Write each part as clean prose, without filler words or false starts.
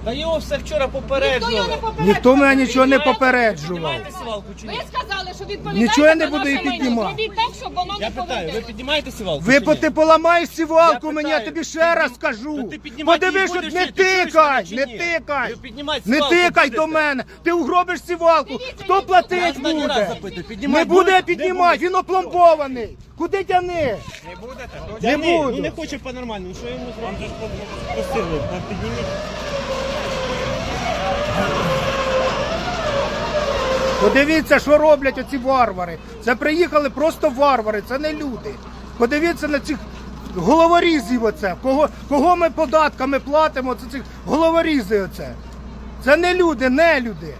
Та його все вчора попереджували. Ніхто мене нічого не попереджував. Піднімаєте сівалку чи Ви ні? сказали, що відповідаєте Нічого я не за буду наше і майно. піднімати. Зробіть так, щоб воно Я не питаю, ви повертилось. піднімаєте сівалку Ви чи ні? ти поламаєш сівалку Я мені, я питаю, тобі ще раз скажу. то ти піднімати Подивись, її що будеш, не чи ти чуєш тикай, мене чи не ні? тикай. Ви піднімати Не сівалку тикай будете? до мене. Ти угробиш сівалку. Хто Я платить останній раз буде? запитую, Не піднімати буде будете? піднімати, він опломбований. Куди тяни? Не Не буду. буду. Ну не хоче по-нормальному, що йому зробити? Вам же ж просили, підніміть. Подивіться, що роблять оці варвари. Це приїхали просто варвари, це не люди. Подивіться на цих головорізів оце. Кого ми податками платимо, це цих головорізи оце. Це не люди, не люди.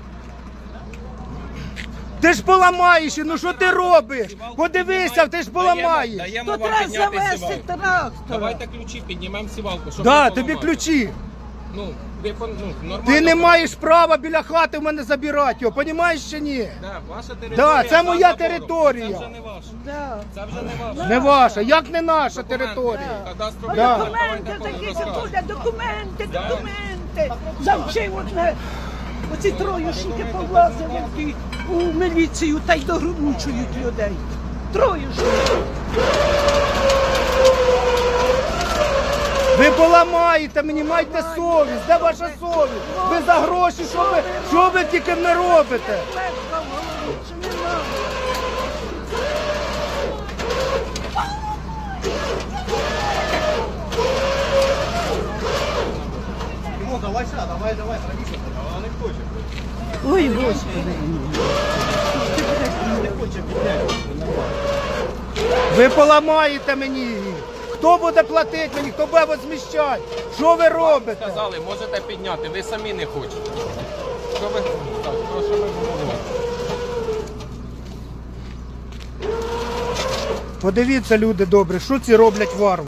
Ти ж поламаєш, ну що ти робиш? Подивися, ти ж поламаєш. Даємо То вам треба підняти завести сівалку. трактора. Давайте ключі, піднімемо сівалку, щоб Да, не тобі поламати. ключі. Ну, нормально. Ти не маєш права біля хати в мене забирати його, розумієш чи ні? Да, ваша територія. Да, це за моя забором. територія. Це вже не ваша. Да. Це вже не ваша. Не ваша, як не наша територія? Кадастровий Да. номер, Документи давайте такі розкажемо. буде, документи. Завчив одне. Оці троюшники повлазили у міліцію та й догрунчують людей. Троюшники. Ви поламаєте мені, майте совість. Де ваша совість? Ви за гроші, що ви тільки не робите? Легко в голові, чи нема? Ой, Господи. Ви поламаєте мені її. Хто буде платити мені, хто буде возміщати? Що ви робите? Сказали, можете підняти, ви самі не хочете. Що ви? Так, що ви говорите? Подивіться, люди добрі, що ці роблять варвари.